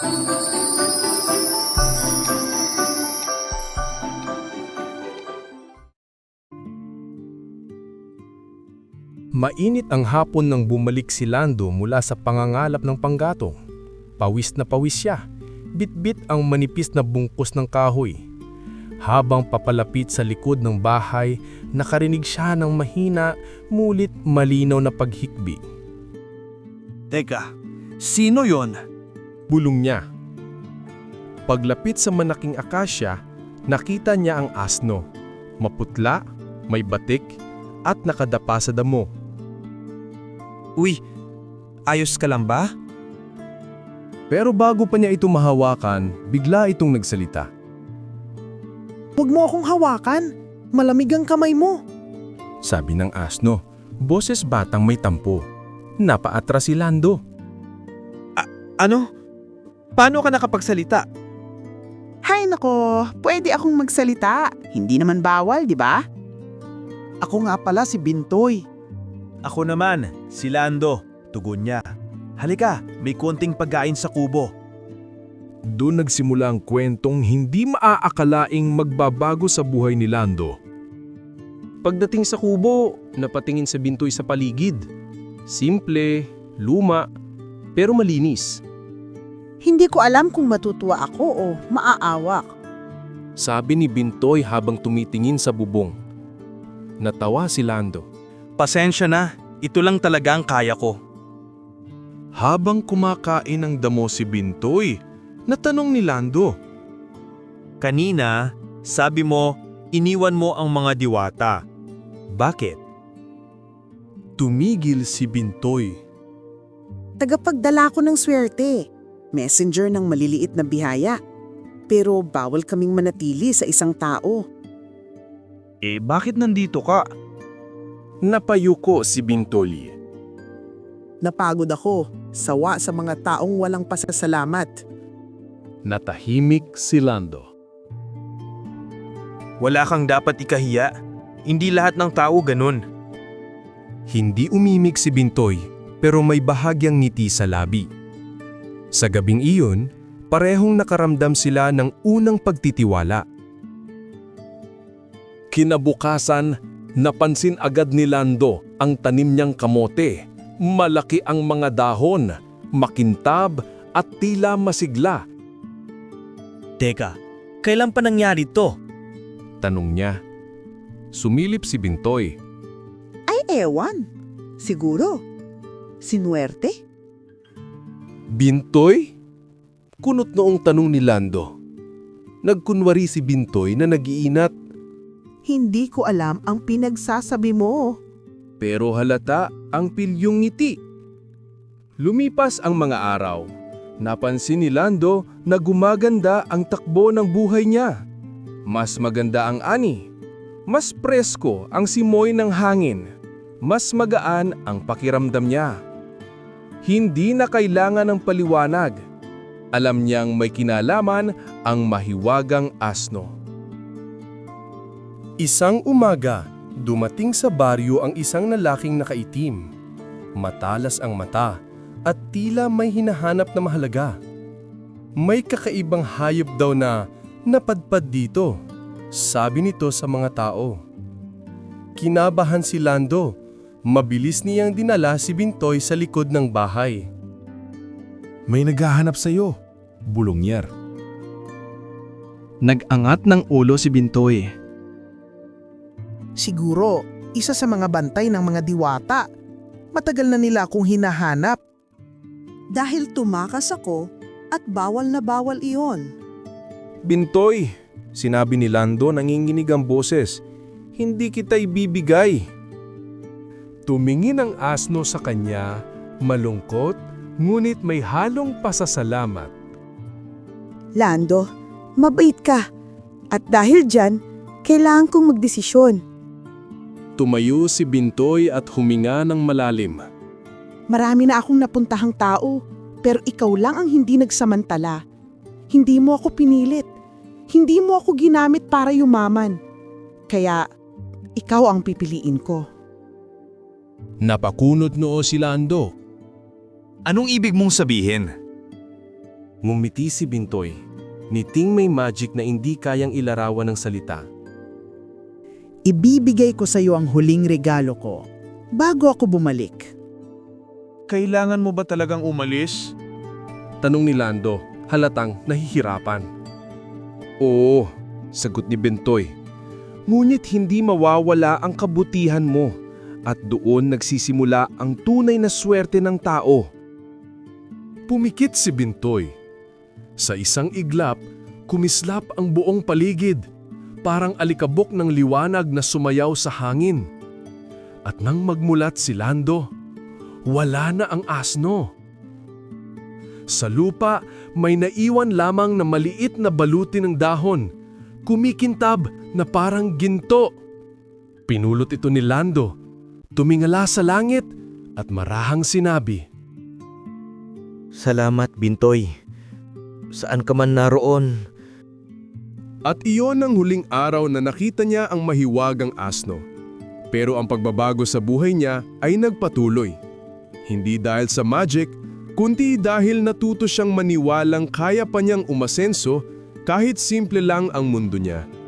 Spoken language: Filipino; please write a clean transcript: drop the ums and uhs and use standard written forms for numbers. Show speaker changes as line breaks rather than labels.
Mainit ang hapon nang bumalik si Lando mula sa pangangalap ng panggatong. Pawis na pawis siya, bitbit ang manipis na bungkus ng kahoy. Habang papalapit sa likod ng bahay, nakarinig siya ng mahina, mulit malinaw na paghikbi.
Teka, sino yon?
Bulong niya. Paglapit sa malaking akasya, nakita niya ang asno. Maputla, may batik, at nakadapa sa damo.
Uy, ayos ka lang ba?
Pero bago pa niya ito mahawakan, bigla itong nagsalita.
Huwag mo akong hawakan. Malamig ang kamay mo.
Sabi ng asno, boses batang may tampo. Napaatras si Lando.
Ano? Paano ka nakapagsalita?
Hay nako, pwede akong magsalita. Hindi naman bawal, di ba?
Ako nga pala si Bintoy.
Ako naman, si Lando. Tugon niya. Halika, may konting pagkain sa kubo.
Doon nagsimula ang kwentong hindi maaakalaing magbabago sa buhay ni Lando. Pagdating sa kubo, napatingin sa Bintoy sa paligid. Simple, luma, pero malinis.
Hindi ko alam kung matutuwa ako o maaawak.
Sabi ni Bintoy habang tumitingin sa bubong. Natawa si Lando.
Pasensya na, ito lang talaga ang kaya ko.
Habang kumakain ng damo si Bintoy, natanong ni Lando.
Kanina, sabi mo, iniwan mo ang mga diwata. Bakit?
Tumigil si Bintoy.
Tagapagdala ko ng swerte. Messenger ng maliliit na bihaya. Pero bawal kaming manatili sa isang tao.
Bakit nandito ka?
Napayuko si Bintoy.
Napagod ako. Sawa sa mga taong walang pasasalamat.
Natahimik si Lando.
Wala kang dapat ikahiya. Hindi lahat ng tao ganun.
Hindi umimik si Bintoy pero may bahagyang ngiti sa labi. Sa gabing iyon, parehong nakaramdam sila ng unang pagtitiwala. Kinabukasan, napansin agad ni Lando ang tanim niyang kamote. Malaki ang mga dahon, makintab at tila masigla.
Teka, kailan pa nangyari to?
Tanong niya. Sumilip si Bintoy.
Ay ewan. Siguro. Sinuwerte?
Bintoy? Kunot noong tanong ni Lando. Nagkunwari si Bintoy na nag-iinat.
Hindi ko alam ang pinagsasabi mo.
Pero halata ang pilyong ngiti. Lumipas ang mga araw. Napansin ni Lando na gumaganda ang takbo ng buhay niya. Mas maganda ang ani. Mas presko ang simoy ng hangin. Mas magaan ang pakiramdam niya. Hindi na kailangan ng paliwanag. Alam niyang may kinalaman ang mahiwagang asno. Isang umaga, dumating sa baryo ang isang lalaking nakaitim. Matalas ang mata at tila may hinahanap na mahalaga. May kakaibang hayop daw na napadpad dito, sabi nito sa mga tao. Kinabahan si Lando. Mabilis niyang dinala si Bintoy sa likod ng bahay. May naghahanap sa iyo, bulong niya.
Nag-angat ng ulo si Bintoy.
Siguro, isa sa mga bantay ng mga diwata. Matagal na nila akong hinahanap. Dahil tumakas ako at bawal na bawal iyon.
Bintoy, sinabi ni Lando nanginginig ang boses. Hindi kita ibibigay. Tumingin ang asno sa kanya, malungkot, ngunit may halong pasasalamat.
Lando, mabait ka. At dahil dyan, kailangan kong magdesisyon.
Tumayo si Bintoy at huminga ng malalim.
Marami na akong napuntahang tao, pero ikaw lang ang hindi nagsamantala. Hindi mo ako pinilit. Hindi mo ako ginamit para yumaman. Kaya, ikaw ang pipiliin ko.
Napakunot noo si Lando.
Anong ibig mong sabihin?
Ngumiti si Bintoy. Niting may magic na hindi kayang ilarawan ng salita.
Ibibigay ko sa iyo ang huling regalo ko bago ako bumalik.
Kailangan mo ba talagang umalis?
Tanong ni Lando, halatang nahihirapan. Oo, sagot ni Bintoy. Ngunit hindi mawawala ang kabutihan mo at doon nagsisimula ang tunay na swerte ng tao. Pumikit si Bintoy. Sa isang iglap, kumislap ang buong paligid, parang alikabok ng liwanag na sumayaw sa hangin. At nang magmulat si Lando, wala na ang asno. Sa lupa, may naiwan lamang na maliit na baluti ng dahon, kumikintab na parang ginto. Pinulot ito ni Lando, tumingala sa langit at marahang sinabi,
Salamat, Bintoy. Saan ka man naroon?
At iyon ang huling araw na nakita niya ang mahiwagang asno. Pero ang pagbabago sa buhay niya ay nagpatuloy. Hindi dahil sa magic, kundi dahil natuto siyang maniwalang kaya pa niyang umasenso kahit simple lang ang mundo niya.